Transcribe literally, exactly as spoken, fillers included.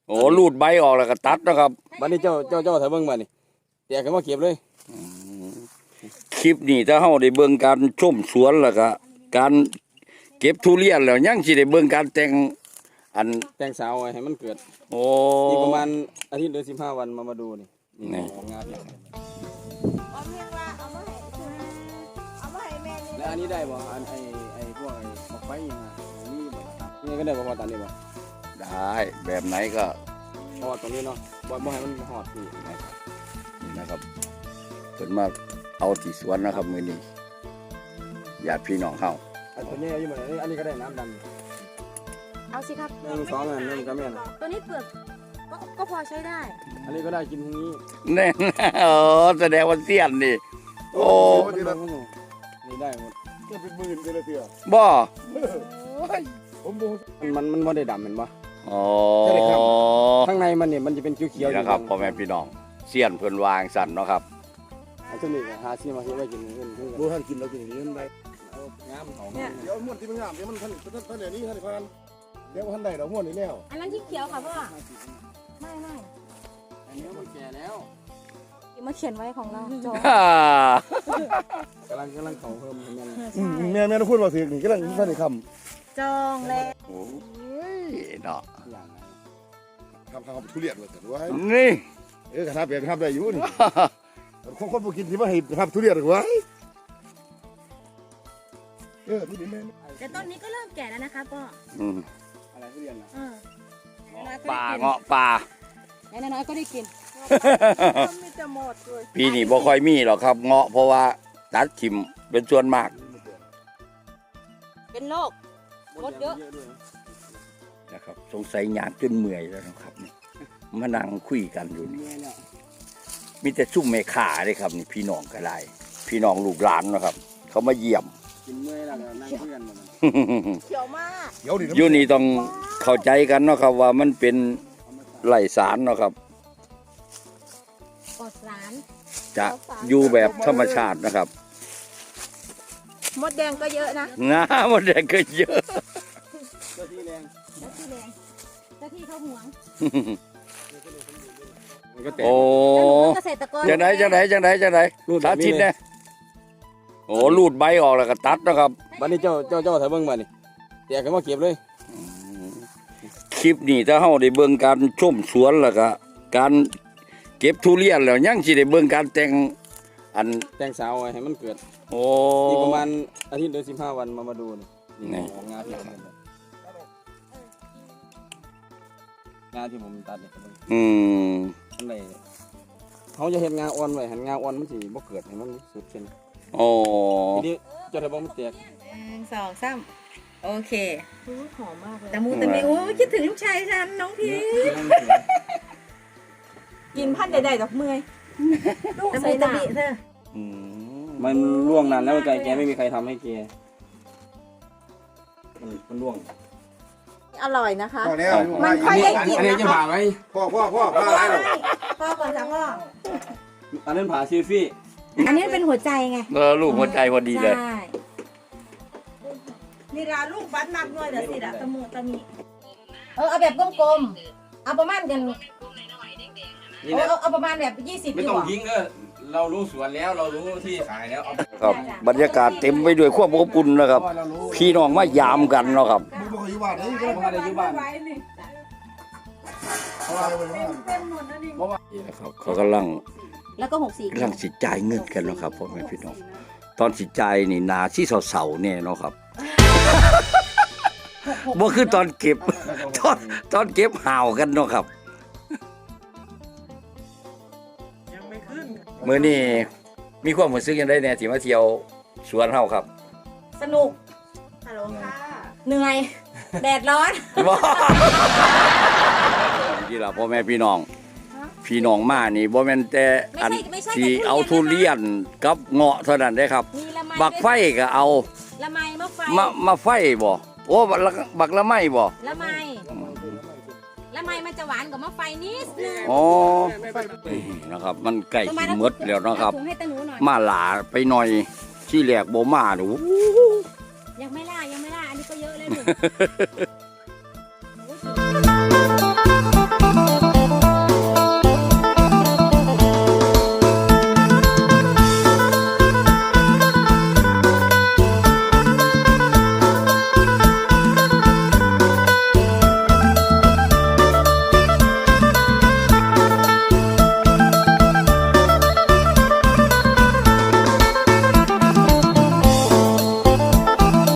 โอ้รูดใบออกแล้วก็ตัดนะครับบัดนี้เจ้าเจ้าเจ้าถ้าเบิ่งบัดนี้แตกขึ้นมาเก็บเลยคลิปนี้ถ้าเฮาได้เบิ่งการชมสวนแล้วก็การเก็บทุเรียนแล้วยังสิได้เบิ่งการแต่งอันแต่งสาวไว้ให้มันเกิดโอ้อีกประมาณอาทิตย์หรือสิบห้าวันมามาดูนี่นี่งานเนี่ยเอาเพียงว่าเอามาให้เอามาให้แม่นี่แล้วอันนี้ได้บ่อันไอ้ไอ้พวกไอ้หมอกไฟยังไงนี่บ่ตัดนี่ก็ได้บ่พอตัดนี่บ่ได้แบบไหนก็พอตรงนี้เนาะบ่บ่ให้มันหอดนี่นี่นะครับเพิ่นมาเอาที่สวนนะครับมื้อนี้ญาติพี่น้องเฮาอันตัวนี้อยู่บ่นี่อันนี้ก็ได้น้ำดำเอาสิครับหนึ่งสองอันนึงก็แม่นตัวนี้เปลือกก็ก็พอใช้ได้อันนี้ก็ได้กินพรุ่งนี้แน่อ๋อแสดงว่าเสี้ยนนี่โอ้นี่ได้หมดก็เป็นหมื่นเลยเถื่อบ่ผมบ่มันมันบ่ได้ดำเห็นบ่อ๋อข้างในมันนี่มันจะเป็นเขียวๆนะครับพ่อแม่พี่น้องเสี้ยนเพิ่นวางสั่นเนาะครับอันนี้ก็หาซื้อมาซื้อไว้กินเงินบ่ทันกินแล้วกินเงินได้เอางามของเนี่ยเดี๋ยวม่วนที่มันงามเดี๋ยวมันท่านท่านเดี๋ยวนี้ท่านพันเดี๋ยวท่านได้ดอกม่วนนี่แล้วอันนั้นที่เขียวค่ะพ่อไม่ไม่อันนี้มันแก่แล้วมาเขียนไว้ของเราจองกำลังกำลังเขาเพิ่มแม่แม่แม่ต้องพูดว่าถึงนี่กำลังท่านได้คำจองแล้วโอ้ยเนาะคำคำทุเรียนเลยแต่ว่านี่เออกระทำเปลี่ยนกระทำได้อยู่นี่คนคนผู้กินที่ว่าให้ทำทุเรียนหรือวะเออนี่แม่แต่ต้นนี้ก็เริ่มแก่แล้วนะคะพ่ออะไรทุเรียนอ่ะป่าเงาะป่าไอ้น้อยก็ได้กินปีนี้บ่ค่อยมีหรอกครับเงาะเพราะว่าตัดถิ่มเป็นส่วนมากเป็นโรคมดเยอะนะครับสงสัยหยาดจนเมื่อยแล้วนะครับนี่มานั่งคุยกันอยู่นี่มีแต่ซุ่มแม่ข่าเลยครับนี่พี่น้องก็ได้พี่น้องลูกหลานนะครับเขามาเยี่ยมกินเมื่อยแล้วนั่งคุยกันหมดเขียวมากอยู่นี่ต้องเข้าใจกันเนาะครับว่ามันเป็นไร่สารเนาะครับปลอดสารจะอยู่แบบธรรมชาตินะครับมดแดงก็เยอะนะน้ามดแดงก็เยอะเจ้าที่แรงเจ้าที่แรงเจ้าที่เขาหวงโอ้จังไหนจังไหนจังไหนจังไหนสาธิตเนี่ยโอ้รูดใบออกแล้วก็ตัดนะครับบัดนี้เจ้าเจ้าเจ้าถ้าเบิ่งบัดนี้แตกขึ้นมาเก็บเลยคลิปนี้ถ้าเฮาได้เบิ่งการชมสวนแล้วก็การเก็บทุเรียนแล้วยังสิได้เบิ่งการแต่งอันแต่งสาวไว้ให้มันเกิดโอ้อีกประมาณอาทิตย์หรือสิบห้าวันมามาดูนี่งานที่งานที่ผมตัดเนี่ยอืมอะไรเขาจะเห็นงาอ่อนไว้หันงาอ่อนมันสิบ่เกิดให้มันสุดเช่นโอ้ทีนี้เจ้าถ้าบ่มันแตกสองสามโอเคหอมมากเลยแต่มูแต่มีโอ้คิดถึงลูกชายฉันน้องพีกินพันใดๆดอกเมยลูกใส่ตะบิเธอมันร่วงนานแล้วใจแกไม่มีใครทำให้แกมันร่วงอร่อยนะคะมันค่อยได้กินอันนี้จะผ่าไหมพ่อพ่อพ่อพ่ออะไรหรอพ่อก่อนจ้ะพ่ออันนั้นผ่าซีฟี่อันนี้เป็นหัวใจไงเออลูกหัวใจพอดีเลยนี่ละลูกบัดนับด้วยเดี๋ยวสิละตะมูตะมีเออเอาแบบกลมๆเอาประมาณกันเอาเอาประมาณแบบยี่สิบไม่ต้องยิงเออเรารู้สวนแล้วเรารู้ที่ขายแล้วครับบรรยากาศเต็มไปด้วยความอบอุ่นนะครับพี่น้องมายามกันเนาะครับนี่นะครับเขากำลังแล้วก็หกสี่กำลังสิจ่ายเงินกันเนาะครับพ่อแม่พี่น้องตอนสิจ่ายนี่นาที่เสาๆเนี่ยเนาะครับบ่คือตอนเก็บตอนตอนเก็บห่าวกันเนาะครับมื้อนี้มีความรู้สึกยังได้แน่ที่มาเที่ยวสวนเฮาครับสนุกฮัลโหลค่ะเหนื่อยแดดร้อนนี่ล่ะพ่อแม่พี่น้องพี่น้องมานี่บ่แม่นแต่อันที่เอาทุเรียนกับเงาะเท่านั้นเด้ครับบักไฟก็เอาละไมมะไฟมามาไฟบ่โอ้บักละไมบ่ละไมละไมมันจะหวานกว่ามะไฟนิดนึงอ๋อนะครับมันใกล้สิหมดแล้วนะครับมาหลาไปหน่อยที่แรกบ่มาดูยังไม่ล่ายังไม่ล่าอันนี้ก็เยอะเลย